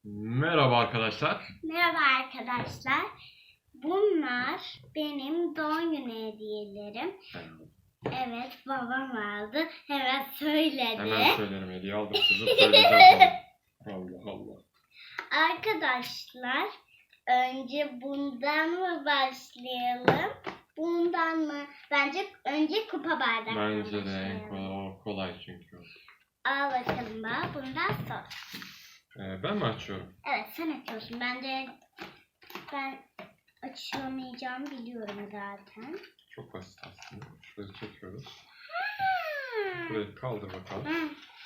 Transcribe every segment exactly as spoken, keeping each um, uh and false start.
Merhaba arkadaşlar. Merhaba arkadaşlar. Bunlar benim doğum günü hediyelerim. Evet, babam aldı. Hemen söyledi. Hemen söylerim, hediye aldım size söyleyeceğim. Allah Allah. Arkadaşlar, önce bundan mı başlayalım? Bundan mı? Bence önce kupa bardaktan Bence de en başlayalım. kolay, kolay çünkü. Al bakalım bana. Bundan sonra. Ee, ben mi açıyorum? Evet, sen açıyorsun. Ben de ben açamayacağımı biliyorum zaten. Çok basit aslında. Şurayı çekiyoruz. Burayı kaldır bakalım. Hı.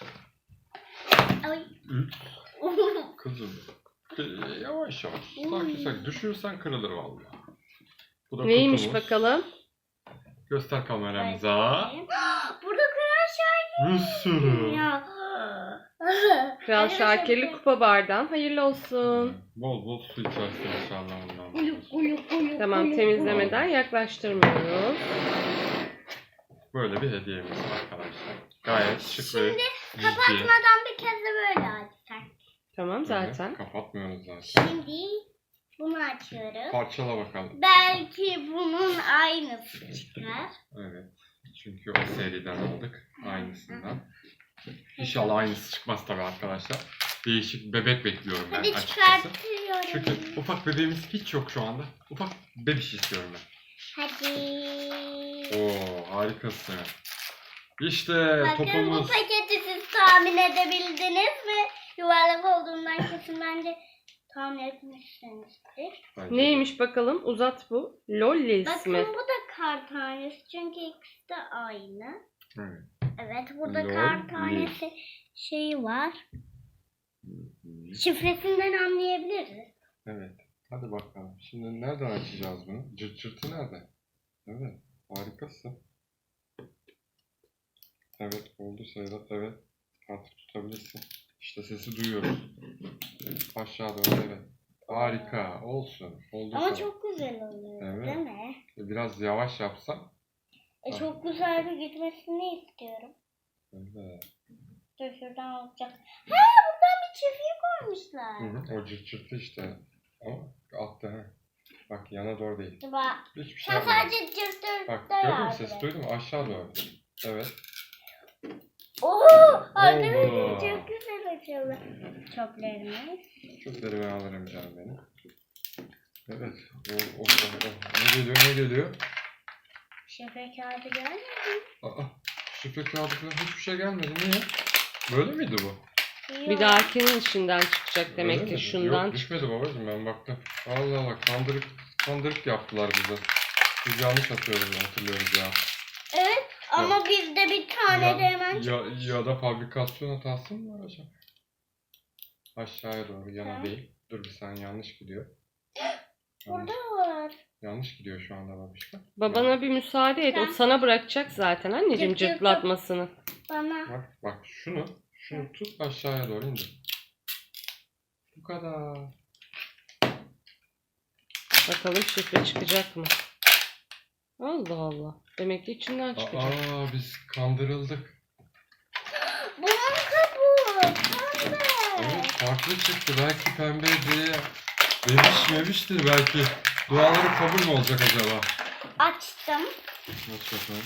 Ay. Üç. Kızım. Ee, Yavaş yavaş. Sakin sakin. Düşürürsen kırılır vallahi. Bu da Neymiş kutumuz. bakalım? Göster kameramıza. Burada Kral Şakir. Bir sürü. Ya. Kral Şakirli kupa bardağın hayırlı olsun. Bol bol su içersin inşallah ondan. Uluk uluk uluk. Tamam, uluk, temizlemeden yaklaştırmıyoruz. Böyle bir hediyemiz var arkadaşlar. Gayet şık ve Şimdi ciddi. kapatmadan bir kez de böyle açsak. Tamam zaten. Evet, kapatmıyoruz zaten. Şimdi bunu açıyoruz. Parçala bakalım. Belki bunun aynısı çıkar. Evet. Çünkü o seriden aldık. Aynısından. İnşallah aynısı çıkmaz tabii arkadaşlar. Değişik bebek bekliyorum ben Hadi açıkçası. çıkartıyorum. Çünkü ufak bebeğimiz hiç yok şu anda. Ufak bebiş istiyorum ben. Hadi. Oo, harikasın. İşte Bakın bu topumuz. paketi siz tahmin edebildiniz mi? Yuvarlak olduğundan kesin bence tahmin etmişsinizdir. Bence. Neymiş bakalım? Uzat bu. Lolli Bakın ismi. bu da kar tanesi çünkü ikisi de aynı. Evet. Evet burada Lol kar tanesi şeyi var. Şifresinden anlayabiliriz. Evet. Hadi bakalım. Şimdi nereden açacağız bunu? Cırt cırtı nerede? Evet. Harikasın. Evet. Oldu sayılır. Evet. Artık tutabilirsin. İşte sesi duyuyoruz. Aşağı doğru. Evet. Harika. Olsun. Oldu. Ama sana. çok güzel oluyor Evet. değil mi? Biraz yavaş yapsam. E, çok güzel bir gitmesini istiyorum. Evet. Dur şuradan olacak. Ha buradan bir çiftliği koymuşlar. Hı hı. O cırt cırtı işte. Ama altta. Ha. Bak yana doğru değil. Bak. Hiçbir şey Sen yapmadım. sadece cırtır Bak da gördün mü? yardım Sesi et. duydun mu? Aşağı doğru. Evet. Oo, arkadaşlar Oo. çok güzel açıldı. Çöplerimiz. Çöpleri ben alırım canım benim. Evet. O, o, o, o. Ne geliyor ne geliyor? Şifre kağıdı gelmedi. Aa, şifre kağıdı falan hiçbir şey gelmedi. Niye? Böyle miydi bu? Bir dahakinin içinden çıkacak Öyle demek mi? ki şundan. Yok düşmedi babacığım ben baktım. Allah Allah kandırık, kandırık yaptılar bize. Biz yanlış atıyoruz hatırlıyoruz ya. Evet ama bizde bir tane ya, de hemen ya, ya da fabrikasyon hatası mı var acaba? Aşağıya doğru yana Ha. değil. Dur bir saniye yanlış gidiyor. burada Yanlış, var. yanlış gidiyor şu anda babişka. Babana bir müsaade et. O Sen- sana bırakacak zaten anneciğim Cırt cırt cırtlatmasını. Bana. Bak bak şunu şunu tut aşağıya doğru indir. Bu kadar. Bakalım şifre çıkacak mı? Allah Allah. Demek ki içinden çıkacak. Aa biz kandırıldık. Bunun kabuğu. Pembe. Evet farklı çıktı. Belki pembe diye bebiş memiştir belki. Duaları kabul mü olacak acaba? Açtım. Aç bakalım.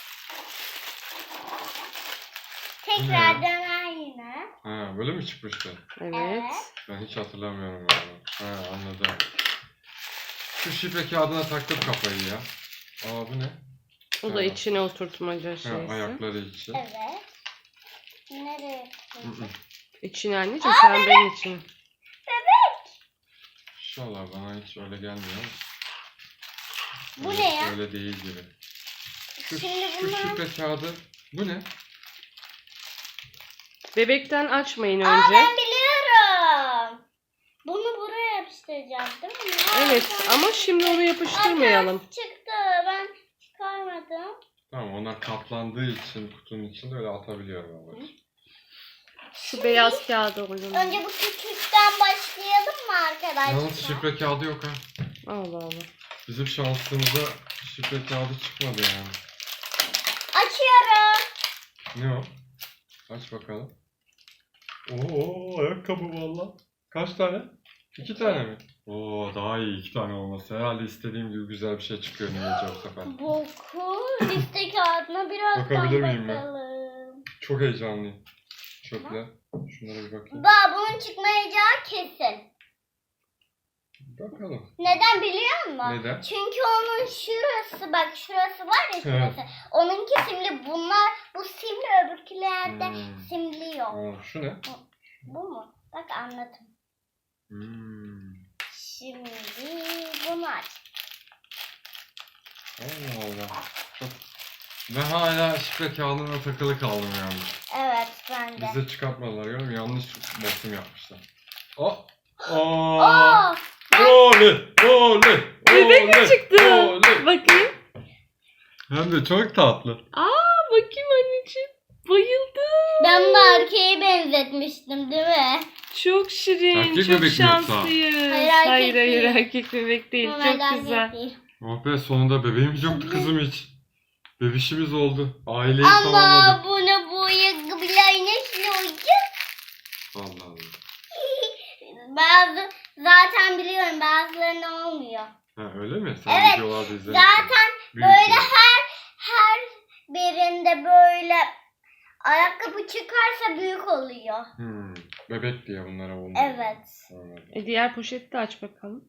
Tekrardan aynı. Ha böyle mi çıkmıştı? Evet. Evet. Ben hiç hatırlamıyorum onu. Ha anladım. Şu şifre kağıdına taktım kafayı ya. Aa bu ne? O da Ha. içine oturtmaca Ha, şeysi. ayakları için. Evet. Nereye Hı hı. koydum? İçine anneciğim pembenin içine. İnşallah bana hiç öyle gelmiyor ama. Bu Öyle- ne ya? Öyle değil gibi. Şu, Şimdi şu bunlar- şifre kağıdı bu ne? Bebekten açmayın Aa önce. ben biliyorum. Bunu buraya yapıştıracağız değil mi? Evet ama şimdi onu yapıştırmayalım. Aa, çıktı. Ben çıkarmadım. Tamam onlar katlandığı için kutunun içinde öyle atabiliyorum babacığım. Şu beyaz kağıdı koyalım. Önce bu küçükten başlayalım mı arkadaşlar? Yalnız şifre kağıdı yok ha. Allah Allah. Bizim şansımıza şifre kağıdı çıkmadı yani. Açıyorum. Ne o? Aç bakalım. Oo ayakkabı valla. Kaç tane? İki tane mi? Oo daha iyi iki tane olması. Herhalde istediğim gibi güzel bir şey çıkıyor Nilece bu sefer. Boku liste kağıdına birazdan Bakabilir miyim ben? bakalım. Çok heyecanlıyım. Çöpler. Şunlara bir bakayım. Ba bunun çıkmayacağı kesin. Bakalım. Neden biliyor musun? Neden? Çünkü onun şurası bak şurası var ya şurası. Evet. Onunki simli. Bunlar bu simli öbürkülerde Hmm. simli yok. Aa, şu ne? Bu mu? Bak anladım. Hmm. Şimdi bunu aç. Allah Allah. Çok... Ben hala şifre kağıdına takılı kaldım yani. Evet ben de. Bize çıkartmadılar görüyor musun? Yanlış resim yapmışlar. Oh! Oh! Oo! Oley! Oley! Bebek mi oley, çıktı? oley. Bakayım. Hem de çok tatlı. Aa bakayım anneciğim. Bayıldım. Ben bu erkeğe benzetmiştim değil mi? Çok şirin. Erkek çok bebek mi yoksa? şanslıyız. Hayır, Hayır erkek hayır, değil. erkek bebek değil. Normalde çok güzel. erkek değil. Oh be sonunda bebeğimiz yoktu kızım hiç. Bebişimiz oldu. Aileyi Ama tamamladık. bunu bu ayakkabıyla nasıl olacak? Allah Allah. Bazı zaten biliyorum bazılarına olmuyor. Ha öyle mi? Sen Evet, videolarda izlemişsin. Zaten Büyük böyle şey. her her birinde böyle ayakkabı çıkarsa büyük oluyor. Hmm. Bebek diye bunlara olmuyor. Evet. Anladım. E, diğer poşeti de aç bakalım.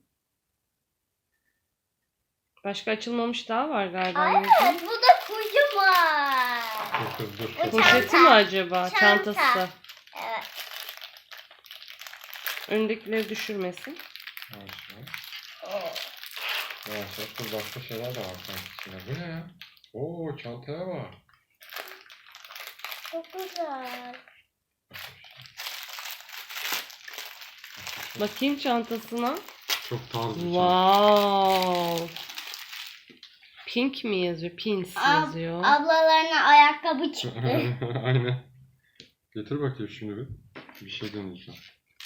Başka açılmamış daha var galiba. Ay, anneciğim. evet bu da kocaman. Dur kız dur. Bu kız. Poşeti Çanta. mi acaba? Çanta. Çantası. Evet. Öndekileri düşürmesin. Yavaş yavaş. Yavaş yavaş. Dur başka şeyler de var sanki içinde. Bu ne ya? Oo çantaya bak. Çok güzel. Bakayım çantasına. Çok tarz bir şey. Wow. Pink mi yazıyor? Pins Ab- yazıyor. Ablalarına ayakkabı çıktı. Aynen. Getir bakayım şimdi bir. Bir şey deneyeceğim.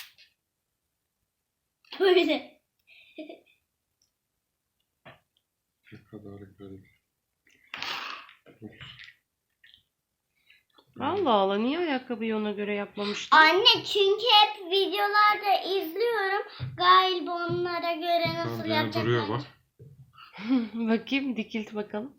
Böyle. Ne kadar garip. Allah Allah, niye ayakkabıyı ona göre yapmamıştın? Anne çünkü hep videolarda izliyorum. Galiba onlara göre nasıl Tamam, yani yapacaklar. duruyor bak. Bakayım, dikilt bakalım.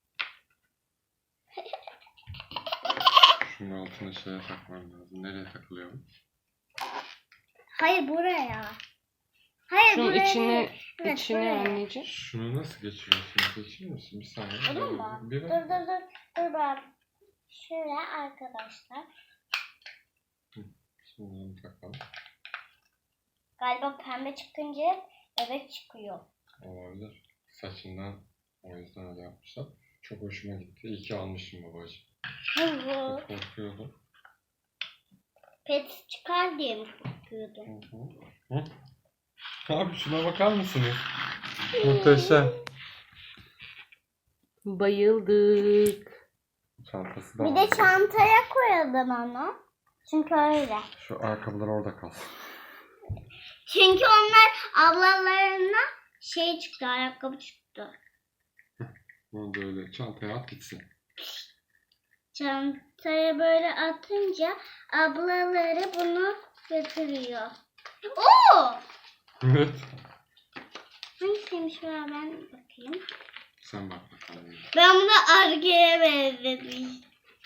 Şunun altına şeye takmam lazım. Nereye takılıyor bu? Hayır buraya. Hayır Şunun buraya. içine, değil. Evet, içine buraya. anneciğim. Şunu nasıl geçiriyorsun? Geçirir misin? Bir saniye. Olur mu? Bir Dur bak. dur dur. Dur bak. Şöyle arkadaşlar. Şimdi bunu takalım. Galiba pembe çıkınca bebek çıkıyor. Olabilir. Saçından o yüzden öyle yapmışlar. Çok hoşuma gitti. İyi ki almışım babacığım. Çok korkuyordum. Pet çıkar diye mi korkuyordum? Hı hı. Hı? Abi şuna bakar mısınız? Muhteşem. Bayıldık. Çantası da Bir var. de çantaya koyalım onu. Çünkü öyle. Şu ayakkabılar orada kalsın. Çünkü onlar ablalarına şey çıktı, ayakkabı çıktı. Bunu da öyle çantaya at gitsin. Çantaya böyle atınca ablaları bunu götürüyor. Oo! Evet. Hangisiymiş ben, ben bakayım. Sen bak bakalım. Ben bunu Arge'ye benzetmiştim.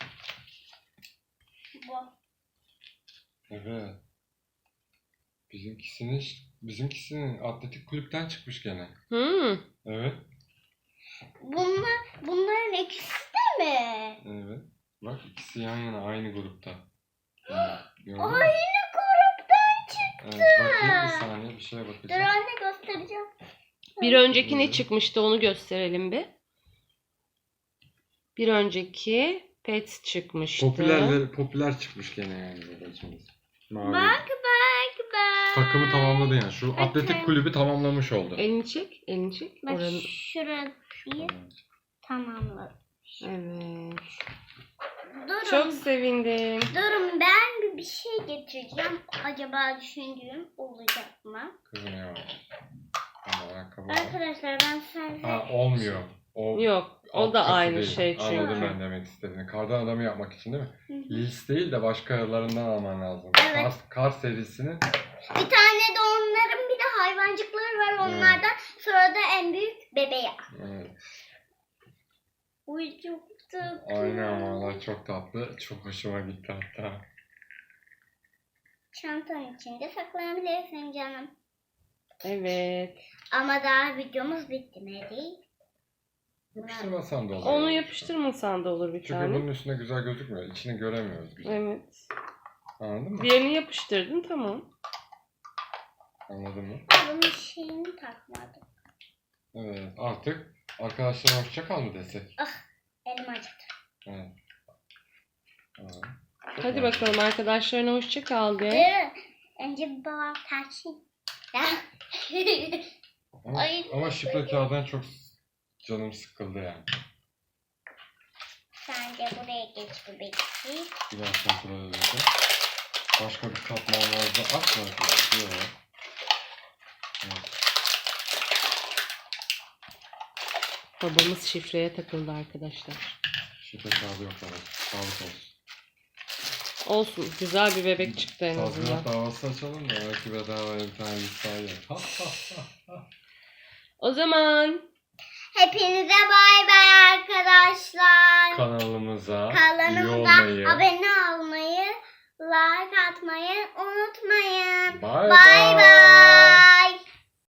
Bu. Evet. Bizimkisinin bizimkisinin atletik kulüpten çıkmış gene. Hmm. Evet. Bunlar, bunların ikisi de mi? Evet. Bak ikisi yan yana aynı grupta. Yani, gördün mü? Aynı gruptan çıktı. Evet, bakayım bir saniye bir şeye Dur bakacağım. anne göstereceğim. Bir önceki ne çıkmıştı, onu gösterelim bir. Bir önceki pet çıkmıştı. Popüler popüler çıkmış gene yani babacığımız. Mavi. Bak bak bak. Takımı tamamladı yani. Şu Bakın. atletik kulübü tamamlamış oldu. Elini çek, elini çek. Bak Oranın... şurayı tamamladım. Evet. Durun. Çok sevindim. Durun ben bir, bir şey getireceğim. Acaba düşündüğüm olacak mı? Kızım ya. Ama ayakkabı var. Arkadaşlar ben size... Ha olmuyor. O Yok, o alt da katı aynı değil. şey çünkü. Anladım ben demek istediğini. Kardan adamı yapmak için değil mi? Hı hı. Lis değil de başkalarından alman lazım. Evet. Kar, kar serisinin Bir tane de onların bir de hayvancıkları var onlardan. Sonra da en büyük bebeği. Evet. Uy çok tatlı. Aynen valla çok tatlı. Çok hoşuma gitti hatta. Çantanın içinde saklayabilirsin canım. Evet. Ama daha videomuz bitmedi. Yapıştırmasan da olur. Onu yapıştırmasan da olur bir Çünkü tane. bunun üstünde güzel gözükmüyor. İçini göremiyoruz güzel. Evet. Anladın mı? Diğerini yapıştırdın tamam. Anladın mı? Bunun şeyini takmadım. Evet. Artık arkadaşlar hoşça kal mı desek? Elim acıdı. Evet. Evet. Çok Hadi güzel. bakalım arkadaşlarına hoşça kal de. Ee, Önce bir babam tersin. Ama, Ay. ama şifre kağıdan çok canım sıkıldı yani. Sen de buraya geç bebekçik. Biraz kontrol edelim. Başka bir katman vardı. Aç mı? Yok. Evet. Babamız şifreye takıldı arkadaşlar. Şifre kağıdı yok evet. Sağlık olsun. Olsun. Güzel bir bebek çıktı en Tazminat azından. davası açalım da belki bedavaya bir tane listayı. O zaman Hepinize bay bay arkadaşlar. Kanalımıza üye Kanalımıza olmayı. abone olmayı, like atmayı unutmayın. Bye Bay bay.